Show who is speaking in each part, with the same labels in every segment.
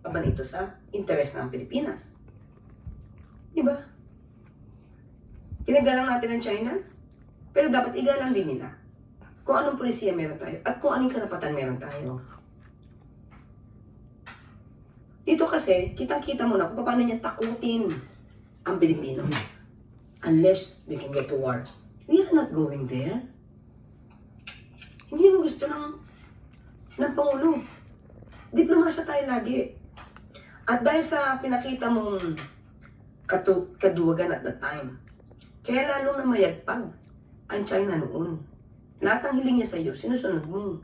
Speaker 1: ba ito sa interes ng Pilipinas? Diba? Ginagalang natin ang China, pero dapat igalang din nila kung anong polisiya meron tayo at kung anong karapatan meron tayo. Dito kasi, kitang-kita mo na kung paano niya takutin ang Pilipino. Unless they can get to war. We are not going there. Hindi yun ang gusto ng Pangulo. Diplomasya tayo lagi. At dahil sa pinakita mong kaduwagan at that time, kaya lalong namayagpag ang China noon. Lahat ng hiling niya sa iyo, sinusunod mo.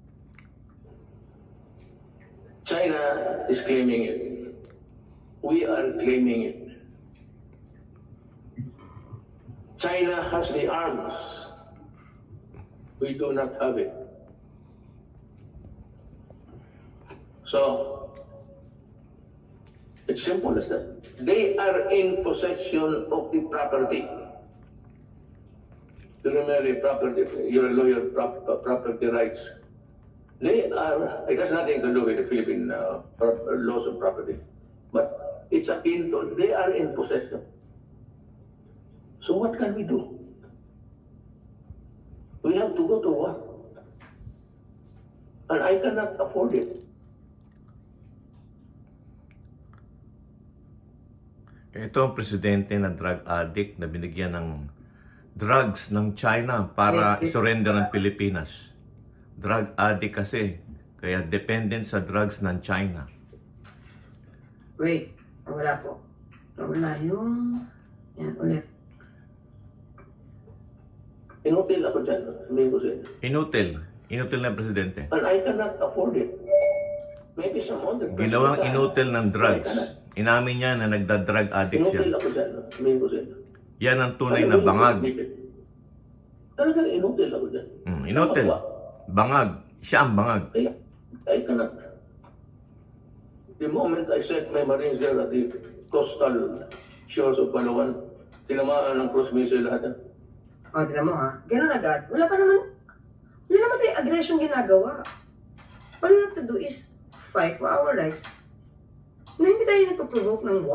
Speaker 2: China is claiming it. We are claiming it. China has the arms. We do not have it. So, it's simple as that. They are in possession of the property. You remember property, you're a lawyer, property rights. They are, it has nothing to do with the Philippine laws of property. But it's akin to, they are in possession. So what can we do? We have to go to war. And I cannot afford it.
Speaker 3: Ito ang presidente ng drug addict na binigyan ng drugs ng China para isurrender ng Pilipinas. Drug addict kasi, kaya dependent sa drugs ng China.
Speaker 1: Wait, wala po. Wala yung... Yan, ulit.
Speaker 2: Inutil ako dyan, sabihin ko sa inyo.
Speaker 3: Inutil na presidente.
Speaker 2: And I cannot afford it. Maybe some other person
Speaker 3: Ginawang
Speaker 2: can.
Speaker 3: inutil ng drugs. Inamin niya na nagda-drug addict
Speaker 2: Inutil
Speaker 3: siya.
Speaker 2: ako dyan, sabihin ko sa inyo.
Speaker 3: Yan ang tunay na bangag.
Speaker 2: Talagang inutil ako dyan.
Speaker 3: Inutil. Bangag. Siya ang bangag.
Speaker 2: I cannot. The moment I set my Marines there at the coastal shores of Palawan, tinamaan ng cruise missile lahat yan.
Speaker 1: O, tinan mo ha. Ganun agad. Wala naman tayong aggression ginagawa. All we have to do is fight for our rights na hindi tayo nagpaprovoke ng war.